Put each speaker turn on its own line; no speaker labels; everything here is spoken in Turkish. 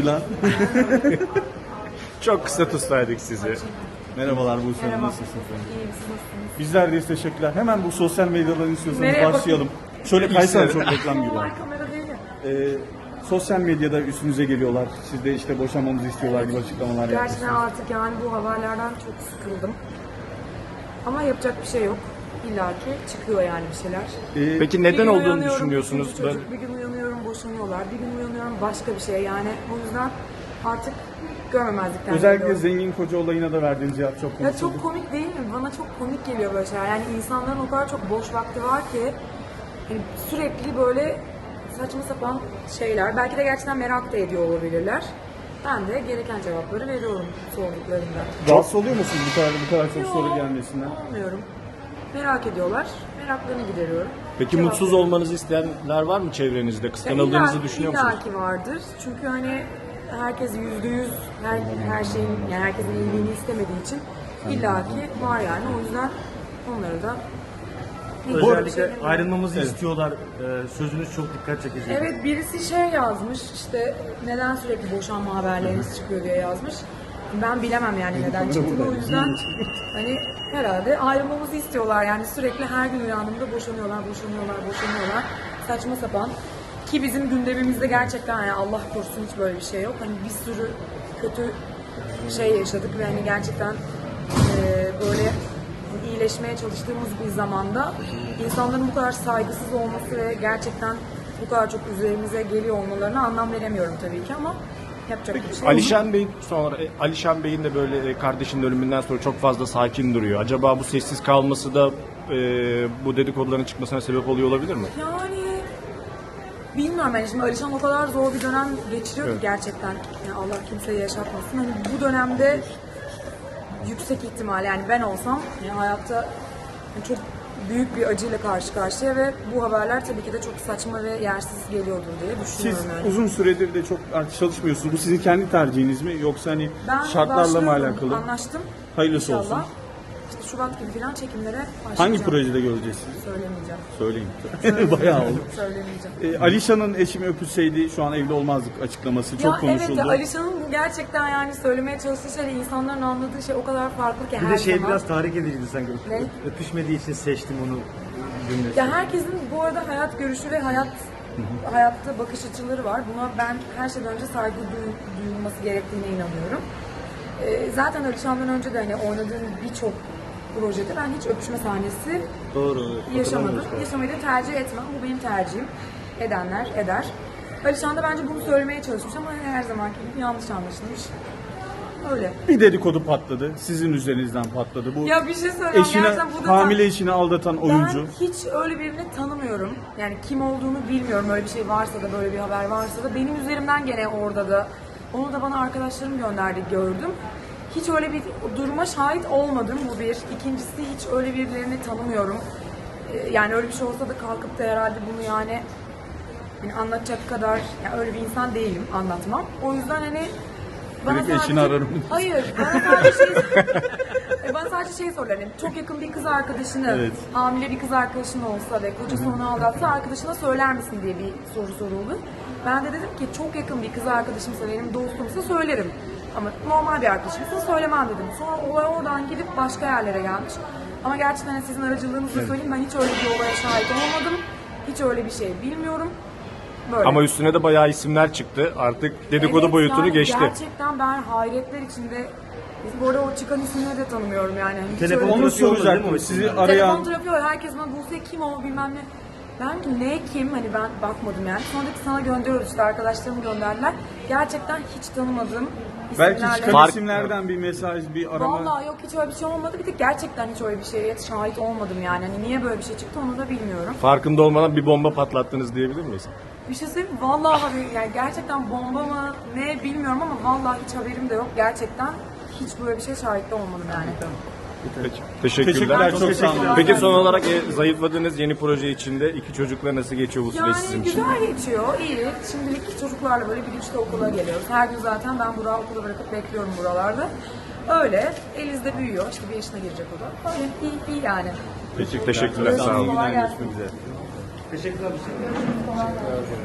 Atilla.
Çok kısa tutlaydık sizi.
Merhabalar Buse Hanım,
Merhaba.
nasılsınız?
İyiyim, siz nasılsınız?
Bizler de teşekkürler. Hemen bu sosyal medyadan istiyorsanız
Nereye
başlayalım. Şöyle kaysana, çok reklam gibi.
Normal kamera değil mi?
Sosyal medyada üstünüze geliyorlar. Siz de işte boşanmamızı istiyorlar gibi açıklamalar
Gerçekten
yapıyorsunuz.
artık yani bu haberlerden çok sıkıldım. Ama yapacak bir şey yok. İlla ki çıkıyor yani bir şeyler.
Peki
Bir
neden
gün
olduğunu
uyanıyorum,
düşünüyorsunuz?
üçüncü çocuk, bir gün uyanıyorum boşanıyorlar, bir gün uyanıyorum başka bir şey yani. O yüzden artık görmemezlikten
Özellikle
geliyorum.
zengin koca olayına da verdiğiniz cevap çok
Ya
konuşuldu.
çok komik değil mi? Bana çok komik geliyor böyle şeyler. Yani insanların o kadar çok boş vakti var ki hani sürekli böyle saçma sapan şeyler. Belki de gerçekten merak da ediyor olabilirler. Ben de gereken cevapları veriyorum sorduklarında.
Rahatsız oluyor musunuz bu kadar çok soru
Yok,
gelmesinden?
olmuyorum. Merak ediyorlar. Meraklarını gideriyorum.
Peki
Cevap
mutsuz
veriyorum.
olmanızı isteyenler var mı çevrenizde?
Ya
Kıskanıldığınızı düşünüyor musunuz?
İlla ki vardır. Çünkü hani herkes %100 her şeyin yani herkesin iyiliğini istemediği için illaki var yani. O yüzden onları da
Özellikle ayrılmamızı istiyorlar. Sözünüz çok dikkat çekici.
Evet, birisi şey yazmış işte neden sürekli boşanma haberleriniz çıkıyor diye yazmış. Ben bilemem yani neden çıktığını, o yüzden hani herhalde ayrılmamızı istiyorlar yani sürekli her gün uyandığımda boşanıyorlar. Saçma sapan. Ki bizim gündemimizde gerçekten yani Allah korusun hiç böyle bir şey yok. Hani bir sürü kötü şey yaşadık ve hani gerçekten böyle iyileşmeye çalıştığımız bir zamanda insanların bu kadar saygısız olması ve gerçekten bu kadar çok üzerimize geliyor olmalarına anlam veremiyorum tabii ki ama yapacak bir şey yok.
Alişan Bey'in de böyle kardeşinin ölümünden sonra çok fazla sakin duruyor. Acaba bu sessiz kalması da bu dedikoduların çıkmasına sebep oluyor olabilir mi?
Yani bilmiyorum yani şimdi Alişan o kadar zor bir dönem geçiriyor ki
Evet.
gerçekten. Yani Allah kimseye yaşatmasın. Hani bu dönemde yüksek ihtimal yani ben olsam yani hayatta yani çok büyük bir acıyla karşı karşıya ve bu haberler tabii ki de çok saçma ve yersiz geliyordur diye
Siz
düşünüyorum yani.
uzun süredir de çok artık çalışmıyorsunuz. Bu sizin kendi tercihiniz mi yoksa hani
Ben
şartlarla mı
başlıyorum,
alakalı?
Anlaştım.
Hayırlısı
İnşallah.
olsun.
İşte Şubat gibi falan çekimlere başlayacağım.
Hangi projede göreceğiz sizi?
Söylemeyeceğim.
Söyleyin. Bayağı oldu.
Söylemeyeceğim.
Alişan'ın eşimi öpülseydi şu an evli olmazdık açıklaması çok konuşuldu.
Evet ya Alişan'ın gerçekten yani söylemeye çalıştığı şey insanların anladığı şey o kadar farklı ki
Bir
her
de şey
zaman.
biraz tahrik ediciydi sanki.
Ne?
Öpüşmediği için seçtim onu cümlesi.
Ya herkesin bu arada hayat görüşü ve hayatta bakış açıları var. Buna ben her şeyden önce saygı duyulması gerektiğine inanıyorum. Zaten Alişan'dan önce de hani oynadığım birçok projede ben hiç öpüşme sahnesi
Doğru.
yaşamadım. Yaşamayı da tercih etmem. Bu benim tercihim. Edenler eder. Alişan da bence bunu söylemeye çalışmış ama her zamanki gibi yanlış anlaşılmış. Öyle.
Bir dedikodu patladı. Sizin üzerinizden patladı. Bu
Ya bir şey söyleyeyim. Gerçekten bu da
hamile eşini aldatan oyuncu.
Ben hiç öyle birini tanımıyorum. Yani kim olduğunu bilmiyorum. Öyle bir şey varsa da böyle bir haber varsa da benim üzerimden gene orada da onu da bana arkadaşlarım gönderdi gördüm. Hiç öyle bir duruma şahit olmadım bu bir. İkincisi hiç öyle birilerini tanımıyorum. Yani öyle bir şey olsa da kalkıp da herhalde bunu yani anlatacak kadar yani öyle bir insan değilim, anlatmam. O yüzden hani
Direkt eşini ararım.
Hayır, bana sadece şey sorular. Yani çok yakın bir kız arkadaşını,
Evet.
hamile bir kız arkadaşın olsa ve kocası onu aldatsa arkadaşına söyler misin diye bir soru soruldu. Ben de dedim ki çok yakın bir kız arkadaşımsa, benim dostumsa söylerim. Ama normal bir arkadaşımsa söylemem dedim. Sonra olay oradan gidip başka yerlere gelmiş. Ama gerçekten hani sizin aracılığınızla söyleyeyim, ben hiç öyle bir olaya şahit olmadım. Hiç öyle bir şey bilmiyorum. Böyle.
Ama üstüne de bayağı isimler çıktı. Artık dedikodu
Evet,
boyutunu
yani
geçti.
Gerçekten ben hayretler içinde, bu arada o çıkan isimleri de tanımıyorum yani. Hani hiç
Telefon
öyle-
Onu
trafiği olmadı değil mi
soracaktım.
o
Sizi
isimler?
arayan
Telefon trafiği var. Herkes bana Buse kim o bilmem ne. Ben ki ne kim hani ben bakmadım yani. Sonraki sana gönderiyoruz işte arkadaşlarım gönderdiler. Gerçekten hiç tanımadığım
belki
isimlerle.
çıkan isimlerden bir mesaj, bir arama.
Vallahi yok hiç öyle bir şey olmadı. Bir tek gerçekten hiç öyle bir şeye şahit olmadım yani. Hani niye böyle bir şey çıktı onu da bilmiyorum.
Farkında olmadan bir bomba patlattınız diyebilir miyiz?
Bir şey söyleyeyim mi? Vallahi yani gerçekten bomba mı ne bilmiyorum ama vallahi hiç haberim de yok. Gerçekten hiç böyle bir şey şahit de olmadım yani.
Peki. Teşekkürler.
Teşekkürler, çok sağ olun.
Peki son olarak zayıfladığınız yeni proje içinde iki çocukla nasıl geçiyor bu süreç
Yani
sizin için?
güzel geçiyor, iyi. Şimdilik çocuklarla böyle 1-3'te okula geliyoruz. Her gün zaten ben Burak'ı okula bırakıp bekliyorum buralarda. Öyle. Eliz de büyüyor. İşte 1 yaşına girecek o da. Öyle iyi yani.
Peki teşekkürler. Sağ olun.
Kolay gelsin.
Teşekkürler.